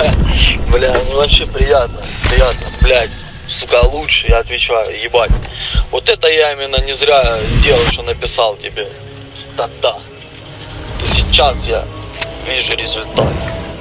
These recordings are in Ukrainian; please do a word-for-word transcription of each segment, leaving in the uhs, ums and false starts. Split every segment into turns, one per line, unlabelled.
Бля, ну вообще приятно, приятно, блядь, сука, лучше, я отвечаю, ебать. Вот это я именно не зря сделал, что написал тебе. Да-да. И сейчас я вижу результат.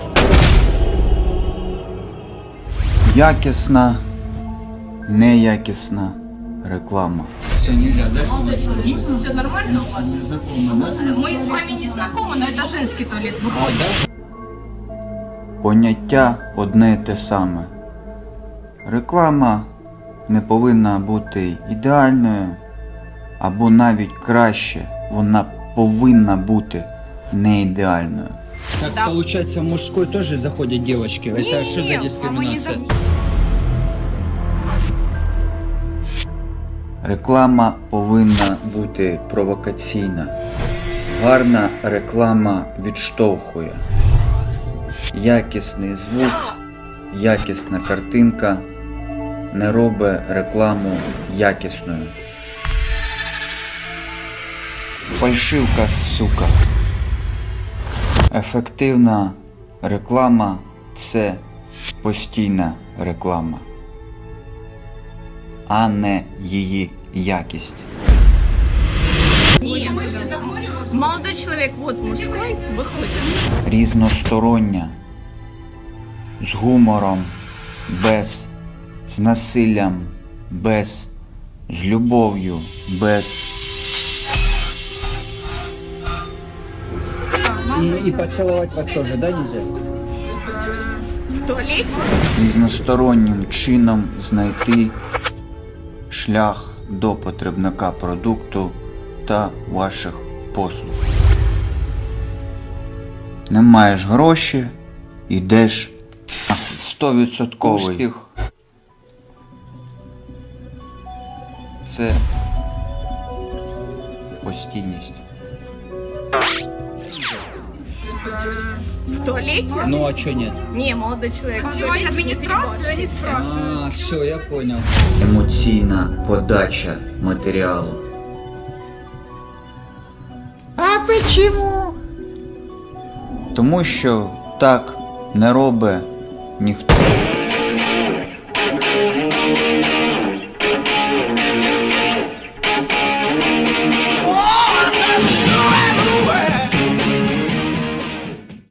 Якісна, неякісна реклама.
Все, нельзя, да?
Молодой человек, все нормально у вас?
Знакомо, да?
Мы с вами не знакомы, но это женский туалет
А,
выходит.
да?
Поняття одне й те саме. Реклама не повинна бути ідеальною, або навіть краще, вона повинна бути не ідеальною.
Так
Да.
получается, в мужской тоже заходят девочки. Это что за дискриминация?
Реклама повинна бути провокаційна. Гарна реклама відштовхує. Якісний звук, якісна картинка не робить рекламу якісною. Фальшивка, сука. Ефективна реклама – це постійна реклама, а не її якість.
Нет, молодой человек, вот мужской, выходит.
Різностороння, з гумором, без, з насиллям, без, з любов'ю, без.
И, и поцеловать вас тоже, да, нельзя?
В туалете?
Різностороннім чином знайти шлях до потребника продукту та ваших послуг. Не маєш гроші, ідеш сто відсотків. Це постійність.
В туалете?
Ну а что нет?
Не, молодой человек, в туалете администрация не спрашивает.
А, все, я понял.
Емоційна подача матеріалу. А почему? Тому що так не робить ніхто.